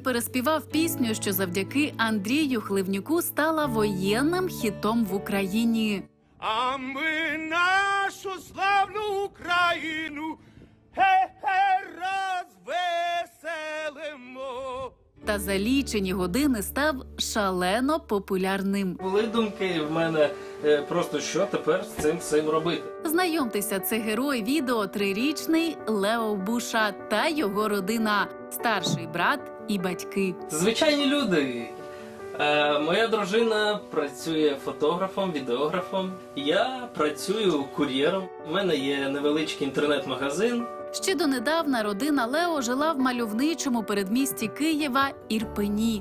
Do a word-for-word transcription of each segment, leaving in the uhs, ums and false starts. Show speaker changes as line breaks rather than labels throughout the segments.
переспівав пісню, що завдяки Андрію Хливнюку стала воєнним хітом в Україні.
А ми нашу славну Україну ге-ге розвеселимо.
Та за лічені години став шалено популярним.
Були думки в мене е, просто, що тепер з цим всім робити.
Знайомтеся, це герой відео трирічний Лео Буша та його родина, старший брат і батьки.
Звичайні люди. Е, моя дружина працює фотографом, відеографом. Я працюю кур'єром. У мене є невеличкий інтернет-магазин.
Ще донедавна родина Лео жила в мальовничому передмісті Києва Ірпені.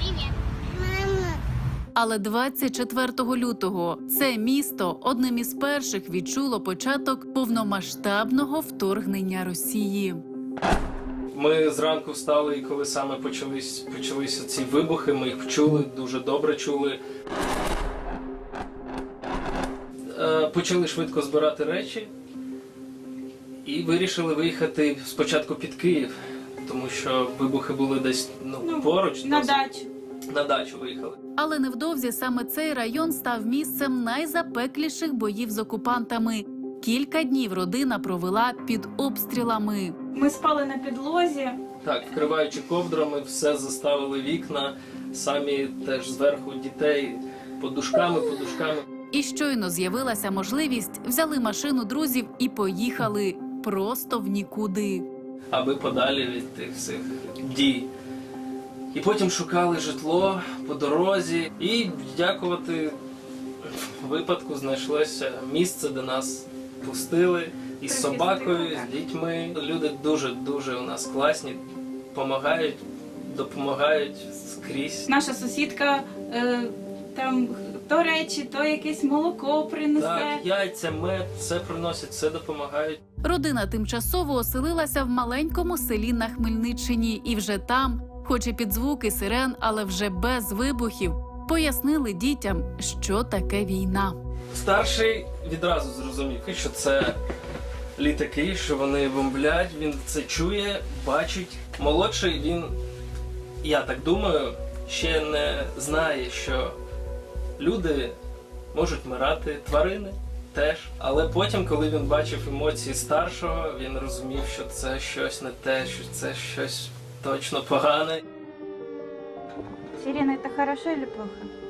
Але двадцять четвертого лютого це місто одним із перших відчуло початок повномасштабного вторгнення Росії.
Ми зранку встали, і коли саме почались, почалися ці вибухи, ми їх чули, дуже добре чули. Е, почали швидко збирати речі і вирішили виїхати спочатку під Київ, тому що вибухи були десь ну,
Ну,
поруч.
на
досить.
дачу.
На дачу виїхали.
Але невдовзі саме цей район став місцем найзапекліших боїв з окупантами. Кілька днів родина провела під обстрілами.
Ми спали на підлозі.
Так, вкриваючи ковдрами, все заставили вікна, самі теж зверху дітей подушками, подушками.
І щойно з'явилася можливість, взяли машину друзів і поїхали просто в нікуди.
Аби подалі від тих всіх дій. І потім шукали житло по дорозі. І, дякувати випадку, знайшлося місце, де нас пустили. І з собакою, з дітьми. Люди дуже-дуже у нас класні, допомагають, допомагають скрізь.
Наша сусідка е, там то речі, то якесь молоко принесе.
Так, яйця, мед, все приносять, все допомагають.
Родина тимчасово оселилася в маленькому селі на Хмельниччині. І вже там, хоч і під звуки сирен, але вже без вибухів, пояснили дітям, що таке війна.
Старший відразу зрозумів, що це літаки, що вони бомблять, він це чує, бачить. Молодший, він, я так думаю, ще не знає, що люди можуть вмирати, тварини теж. Але потім, коли він бачив емоції старшого, він розумів, що це щось не те, що це щось точно погане.
Сирена, это хорошо или плохо?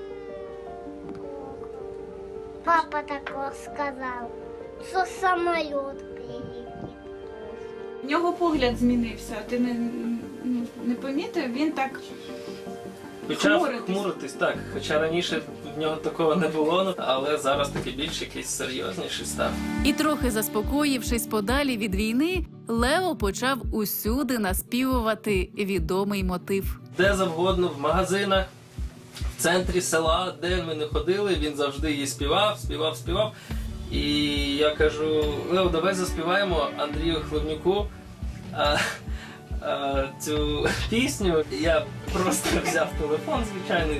Папа такого сказал, что самолет прилетит.
В нього погляд змінився. Ти не, ну, не помітив? Він так
Почав
Хмуритись.
хмуритись, так. Хоча раніше в нього такого не було, але зараз таки більш якийсь серйозніший став.
І трохи заспокоївшись подалі від війни, Лео почав усюди наспівувати відомий мотив.
Де завгодно, в магазинах, в центрі села, де ми не ходили, він завжди її співав, співав, співав. І я кажу: Лео, давай заспіваємо Андрію Хливнюку а, а, цю пісню. Я просто взяв телефон звичайний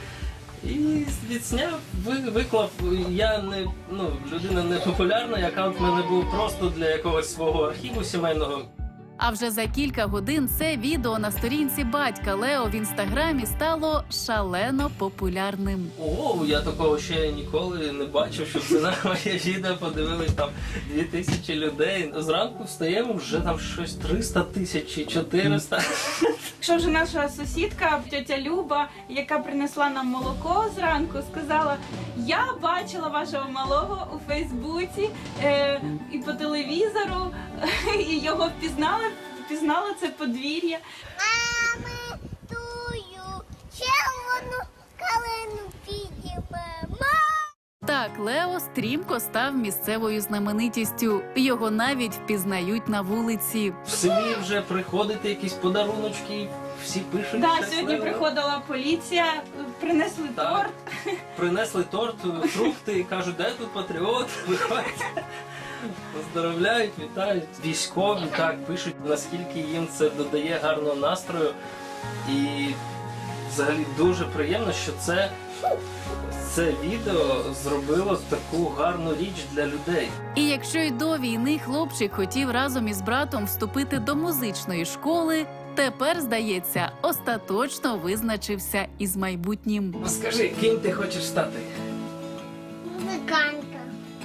і відсняв, ви- виклав. Я не, ну, людина не популярна, аккаунт в мене був просто для якогось свого архіву сімейного.
А вже за кілька годин це відео на сторінці батька Лео в інстаграмі стало шалено популярним.
Ого, я такого ще ніколи не бачив, щоб це на моє відео подивились там дві тисячі людей. Зранку встаємо, вже там щось триста тисяч чи чотириста.
Якщо вже наша сусідка, тетя Люба, яка принесла нам молоко зранку, сказала: я бачила вашого малого у Фейсбуці е, і по телевізору, і його впізнала, впізнала це подвір'я.
А ми тую червону калину підіймемо.
Так, Лео стрімко став місцевою знаменитістю. Його навіть впізнають на вулиці.
В селі вже приходять якісь подаруночки, всі пишуть.
Да,
щасливо.
сьогодні приходила поліція, принесли
Так.
торт.
Принесли торт, фрукти і кажуть, де тут патріот? Виходять. Поздоровляють, вітають. Військові так пишуть, наскільки їм це додає гарного настрою. І взагалі дуже приємно, що це, це відео зробило таку гарну річ для людей.
І якщо й до війни хлопчик хотів разом із братом вступити до музичної школи, Тепер, здається, остаточно визначився із майбутнім.
Скажи, ким ти хочеш стати?
Музиканта.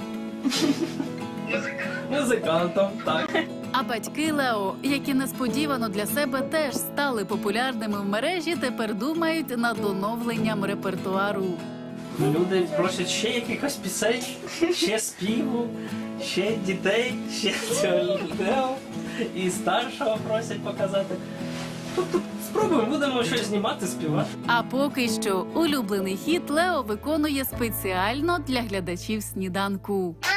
Музикантом, так.
А батьки Лео, які несподівано для себе теж стали популярними в мережі, тепер думають над оновленням репертуару.
Люди просять ще якихось пісень, ще співу, ще дітей, ще цього Лео. І старшого просять показати. Тобто спробуємо, будемо щось знімати, співати.
А поки що улюблений хіт Лео виконує спеціально для глядачів сніданку.
А